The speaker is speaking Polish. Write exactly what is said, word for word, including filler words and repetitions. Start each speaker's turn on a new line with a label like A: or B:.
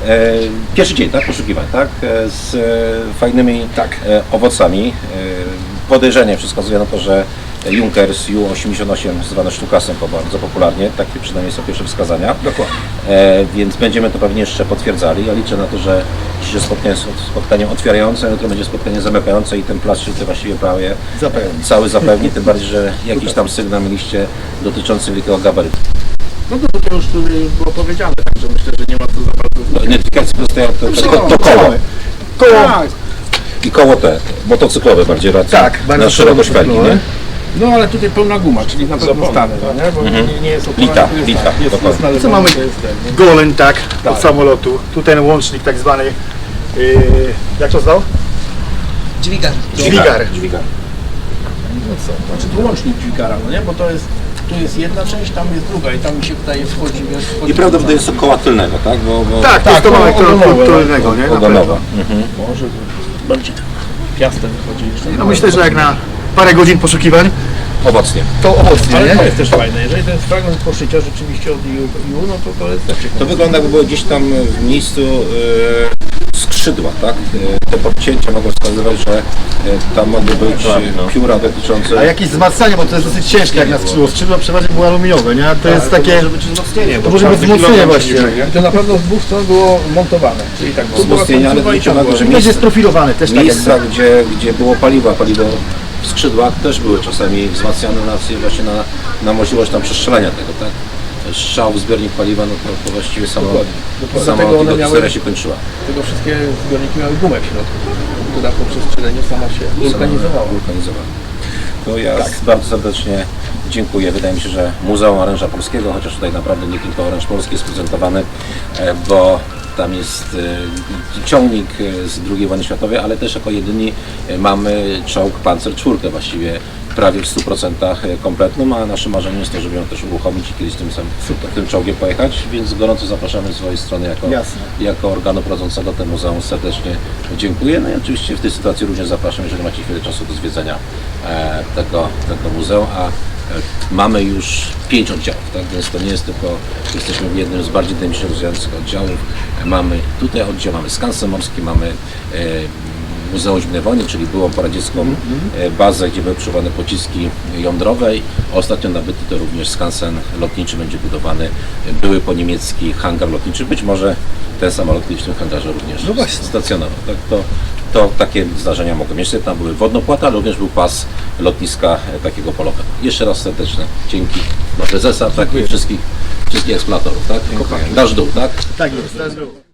A: E, pierwszy dzień, tak? Poszukiwań, tak? E, z e, fajnymi
B: Tak.
A: e, owocami. E, podejrzenie wszystko wskazuje na to, że Junkers U osiemdziesiąt osiem, zwany Sztukasem bardzo popularnie, takie przynajmniej są pierwsze wskazania.
B: Dokładnie.
A: E, więc będziemy to pewnie jeszcze potwierdzali. Ja liczę na to, że dzisiejsze spotkanie jest spotkaniem otwierające, jutro będzie spotkanie zamykające i ten plac się tutaj właściwie prawie
B: Zapewni.
A: cały zapewni, tym bardziej, że jakiś tam sygnał mieliście dotyczący wielkiego gabarytu.
C: No to tutaj już tutaj było powiedziane, także myślę, że nie ma co za bardzo.
A: Identyfikacja dostaje to, to, to, to
B: Koło.
A: koło.
B: Koło.
C: Tak,
A: I koło te, motocyklowe bardziej raczej.
B: Tak, bardzo
A: na szerokość felgi,
B: motocyklowe.
A: nie?
C: no ale tutaj pełna guma, czyli na pewno stanę, no nie? Bo
A: Mhm.
C: nie, nie jest opona,
A: Lita,
C: tu jest,
A: lita,
C: tak, jest,
A: dokładnie.
C: jest
B: Co mamy?
C: to jest ten, nie?
B: Goleń, tak,
C: Tak.
B: od samolotu. Tu ten łącznik tak zwany, yy, jak to zwał?
D: Dźwigar.
B: Dźwigar.
A: Dźwigar.
C: No co, znaczy tu łącznik dźwigara, no nie? Bo to jest, tu jest jedna część, tam jest druga i tam mi się wydaje wchodzi, wiesz, wchodzi
A: I prawdopodobnie jest to koła tylnego, tak? Bo, bo
B: Tak, to jest to
C: koło
B: mamy
C: ogonowe,
B: którego, nie? Na
A: ogonowa.
B: pewno.
A: Mhm.
C: może bardziej piastem wychodzi jeszcze.
B: No myślę, że jak na parę godzin poszukiwań,
A: Owocnie.
B: to owocnie,
C: Ale to
B: nie?
C: jest też fajne, jeżeli ten fragment poszycia rzeczywiście od U, U no to to jest też ciekawe.
A: To wygląda, jakby było gdzieś tam w miejscu e, skrzydła, tak? E, te podcięcia mogą wskazywać, że e, tam mogły być e, pióra dotyczące...
B: A jakieś wzmacnianie, bo to jest dosyć ciężkie jak na skrzydło. Skrzydło przeważnie było aluminiowe, nie? A to jest takie...
A: może być wzmocnienie,
B: To
A: bo
B: może być
A: każdy
B: wzmocnienie
A: kilogram
B: właśnie.
A: się liczy,
C: I to na pewno z dwóch stron było montowane, czyli tak, bo była
A: Wzmocnienie, ale
C: końcowa i
A: zwróćcie uwagę,
C: ciągła.
A: że
B: Będzie jest profilowane też tak
A: Miejsca,
B: jakby.
A: gdzie, gdzie było paliwo, paliwo w skrzydłach też były czasami wzmacniane na, właśnie na, na możliwość tam przestrzelenia tego, tak? Strzał w zbiornik paliwa, no to, to właściwie samo,
C: Dokładnie.
A: sama
C: Dlatego one
A: tego
C: miały-
A: historia się kończyła.
C: Tego wszystkie zbiorniki miały gumę w środku, która po przestrzeleniu sama się wulkanizowała.
A: Wulkanizowała. To ja bardzo serdecznie dziękuję. Wydaje mi się, że Muzeum Oręża Polskiego, chociaż tutaj naprawdę nie tylko oręż polski jest prezentowany, e, bo tam jest e, ciągnik e, z drugiej wojny światowej, ale też jako jedyni e, mamy czołg Panzer czwórkę właściwie prawie w stu procentach kompletną, a naszym marzeniem jest to, żeby ją też uruchomić i kiedyś tym, sam, tym czołgiem pojechać, więc gorąco zapraszamy z swojej strony jako,
B: Jasne.
A: jako organu prowadzącego te muzeum serdecznie dziękuję. No i oczywiście w tej sytuacji również zapraszam, jeżeli macie chwilę czasu do zwiedzenia e, tego, tego muzeum, a e, mamy już pięć oddziałów, tak? Więc to nie jest tylko, jesteśmy w jednym z bardziej dynamicznie rozwijających oddziałów. E, mamy tutaj oddział, mamy skansen morski, mamy e, Muzeum Zimnej Wojny, czyli byłą poradziecką e, bazę, gdzie były przechowane pociski jądrowe. Ostatnio nabyty to również skansen lotniczy będzie budowany, e, były po niemiecki hangar lotniczy, być może ten samolot kiedyś w tym hangarze również
B: No właśnie.
A: stacjonował. Tak, to, to takie zdarzenia mogą mieć. Tam były wodnopłata, ale również był pas lotniska e, takiego polowego. Jeszcze raz serdeczne dzięki dla prezesa, tak i wszystkich, wszystkich eksploratorów, tak? Dasz dół, tak?
B: Tak jest.